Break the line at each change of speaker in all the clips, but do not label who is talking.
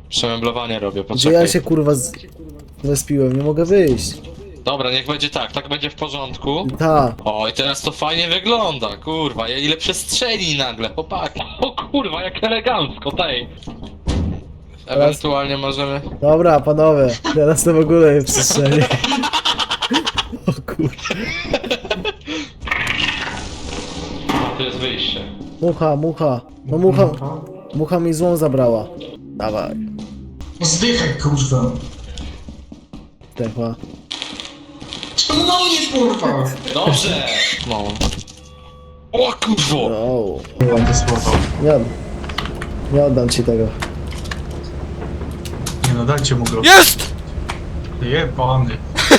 Przemeblowanie robię,
Gdzie
poczekaj.
ja się kurwa zespiłem? Nie mogę wyjść.
Dobra, niech będzie tak, tak będzie w porządku.
Ta.
O, i teraz to fajnie wygląda, kurwa, ile przestrzeni nagle, chłopaki. O kurwa, jak elegancko, tej. Ewentualnie możemy...
Dobra, panowie. Teraz to w ogóle jest przestrzeni. O kurwa.
A, tu jest wyjście.
Mucha, mucha. No mucha. Mucha mi złą zabrała. Dawaj.
Zdychaj, kurwa.
Zdechła.
Czemu na mnie, kurwa?
Dobrze! No. O kurwo!
O.
Ładne słowo.
Nie oddam ci tego.
Nie no, dajcie mu go.
Jest!
Jebany.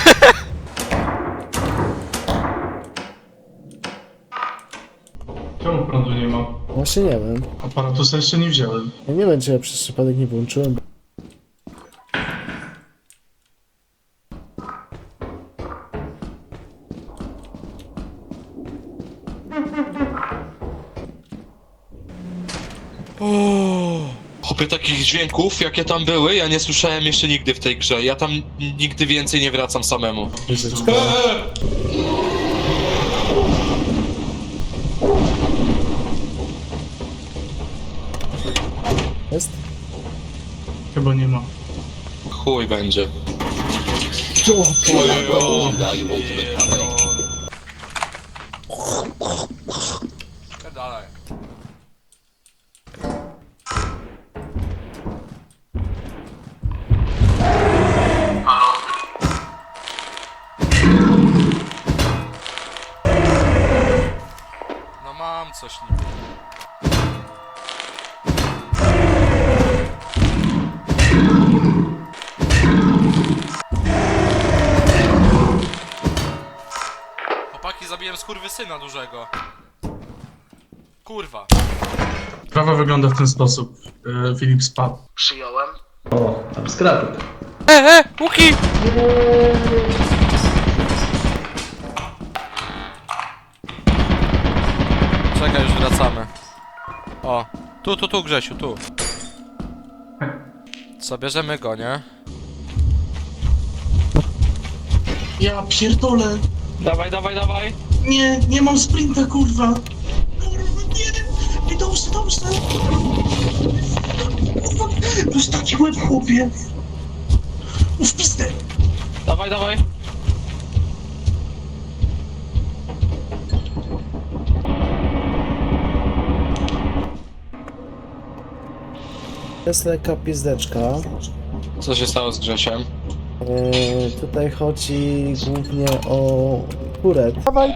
Czemu prądu nie ma?
Właśnie nie wiem.
Aparatusa jeszcze nie wziąłem.
Ja nie wiem, czy ja przez przypadek nie włączyłem.
Chłopie, takich dźwięków, jakie tam były, ja nie słyszałem jeszcze nigdy w tej grze. Ja tam nigdy więcej nie wracam samemu.
Jest?
Chyba nie ma.
Chuj będzie.
Dalej. No mam coś niby. Chłopaki, zabiłem skurwysyna dużego. Kurwa.
Sprawa wygląda w ten sposób. Filip spadł.
Przyjąłem.
O, tam skrapy.
Łuki! Czekaj, już wracamy. O, tu, Grzesiu, tu. Co, bierzemy go, nie?
Ja pierdolę.
Dawaj, dawaj, dawaj!
Nie, nie mam sprinta, kurwa. Kurwa, nie. I dobrze. Kurwa, dostać łeb, chłopie. Uf, pizdę.
Dawaj, dawaj!
Jest lekka pizdeczka.
Co się stało z Grzesiem?
Tutaj chodzi głównie o kurę. Dawaj.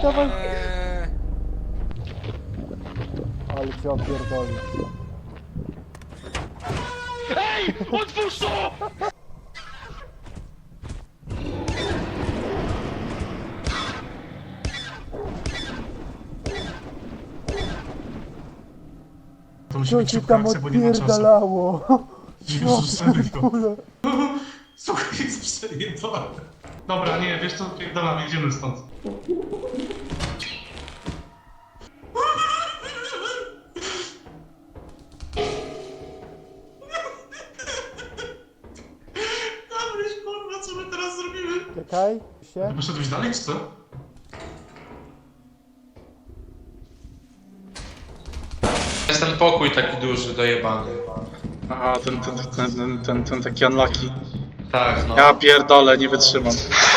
Ale cię opierdoli.
Otwórz to!
To musi być szybka akcja, bo nie ma czasu. Jezus, serio. Słuchaj, jest przejebane. Dobra, nie, wiesz co, pierdolamy, idziemy stąd. Dobryś, kurwa, co my teraz zrobimy?
Czekaj się.
Poszedłeś dalej, czy co?
Jest ten pokój taki duży, dojebany.
Aha, ten taki unlucky.
Tak, no.
Ja pierdolę, nie wytrzymam.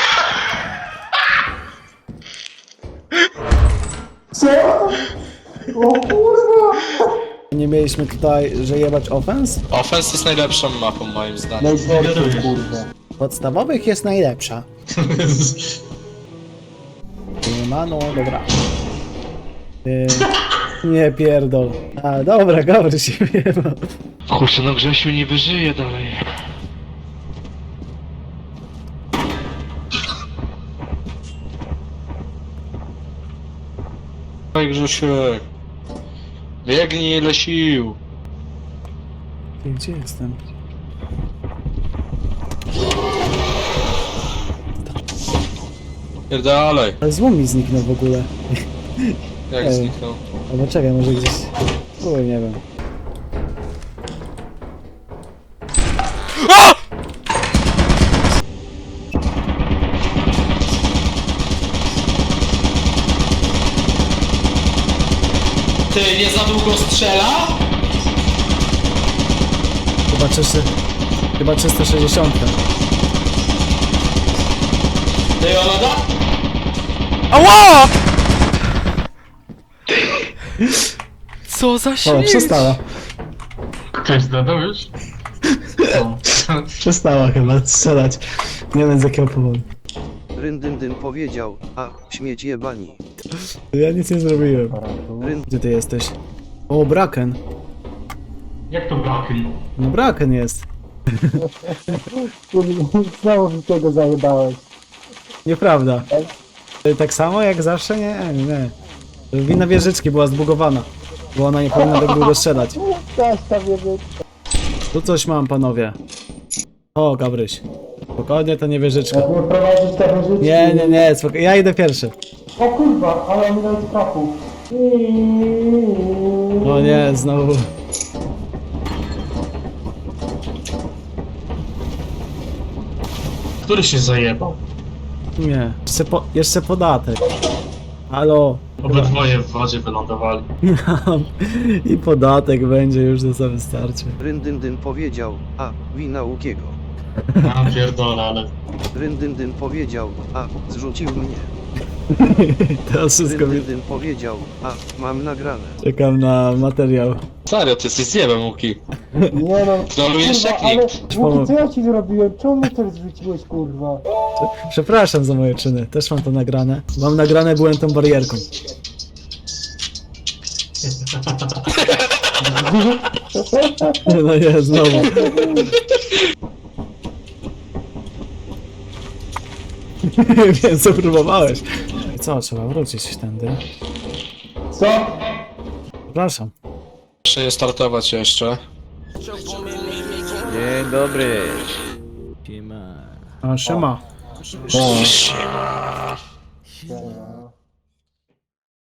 Nie mieliśmy tutaj, że jebać offense?
Offense jest najlepszą mapą, moim zdaniem.
Najgorszą, kurwa. Podstawowych jest najlepsza. Nie ma, no dobra. Nie pierdol. A, dobra, Gabry się wiewa.
Kurczę, no Grzesiu nie wyżyje dalej. Daj Grzesiek. Biegnij ile sił.
Gdzie jestem?
Pierdalej.
Ale złom mi zniknął w ogóle.
Jak
Ej.
zniknął?
Albo czekaj, może gdzieś... Uj, nie wiem.
A!
Ty, nie za długo strzela?
Chyba 360.
Ty, Olada?
Ała! Co za
O,
śmierć?
przestała.
Cześć, dodał już? O.
Przestała chyba strzelać. Nie wiem z jakiego powodu.
Ryndyn powiedział, a śmieć jebani.
Ja nic nie zrobiłem. Gdzie ty jesteś? O, Braken.
Jak to Blackley?
No Braken jest.
Znowu mi tego zajebałeś.
Nieprawda. Tak samo jak zawsze? Nie. Wina wieżyczki była zbugowana. Bo ona nie powinna tak długo strzelać.
Coś tam wiedzieć.
Tu coś mam, panowie. O, Gabryś. Spokojnie, to nie wieżyczka.
Jak nie prowadzić te wyżycie.
Nie, spokojnie. Ja idę pierwszy.
O kurwa, ale mi nawet trafu.
O nie, znowu.
Który się zajebał?
Nie. Jeszcze podatek. Halo.
Obydwoje w wodzie wylądowali.
I podatek będzie już, to za wystarczy.
Ryndyn powiedział, a wina Łukiego.
Ja pierdolę, ale...
Ryndyn powiedział, a zrzucił mnie.
Teraz wszystko mi...
Ryndyn powiedział, a mam nagrane.
Czekam na materiał.
Serio, ty jesteś zjebem, Łuki.
Nie no.
Trolujesz
Kurwa,
jak
ale
nikt.
Łuki, co ja ci zrobiłem? Czemu mnie też zrzuciłeś, kurwa?
Przepraszam za moje czyny. Też mam to nagrane. Mam nagrane, byłem tą barierką. No nie, znowu. Wiem, co próbowałeś. I co, trzeba wrócić tędy.
Co?
Przepraszam.
Muszę je startować jeszcze.
Dzień dobry.
A, siema.
Siema.